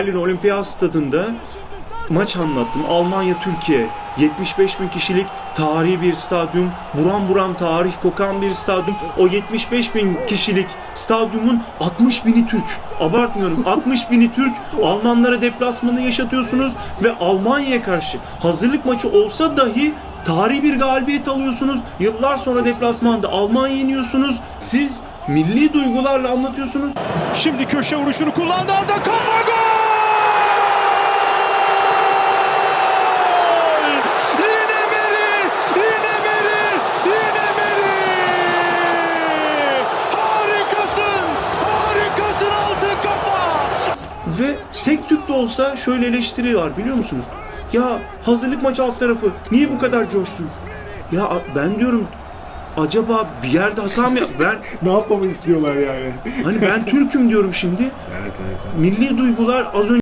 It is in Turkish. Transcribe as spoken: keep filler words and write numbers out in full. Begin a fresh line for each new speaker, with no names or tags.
Berlin Olimpiyat Stadında maç anlattım. Almanya-Türkiye. yetmiş beş bin kişilik tarihi bir stadyum. Buram buram tarih kokan bir stadyum. O yetmiş beş bin kişilik stadyumun altmış bini Türk. Abartmıyorum. altmış bini Türk. Almanlara deplasmanı yaşatıyorsunuz ve Almanya'ya karşı hazırlık maçı olsa dahi tarihi bir galibiyet alıyorsunuz. Yıllar sonra deplasmanda Almanya yeniyorsunuz. Siz milli duygularla anlatıyorsunuz.
Şimdi köşe vuruşunu kullandı, Arda kafa gol! Yine Meri! Yine Meri! Yine Meri! Harikasın! Harikasın altın kafa!
Ve tek tük de olsa şöyle eleştiri var biliyor musunuz? Ya hazırlık maçı alt tarafı niye bu kadar coşsun? Ya ben diyorum acaba bir yerde hata mı yap- ben
Ne yapmamı istiyorlar yani?
hani ben Türk'üm diyorum şimdi.
Evet, evet, evet.
Milli duygular az önce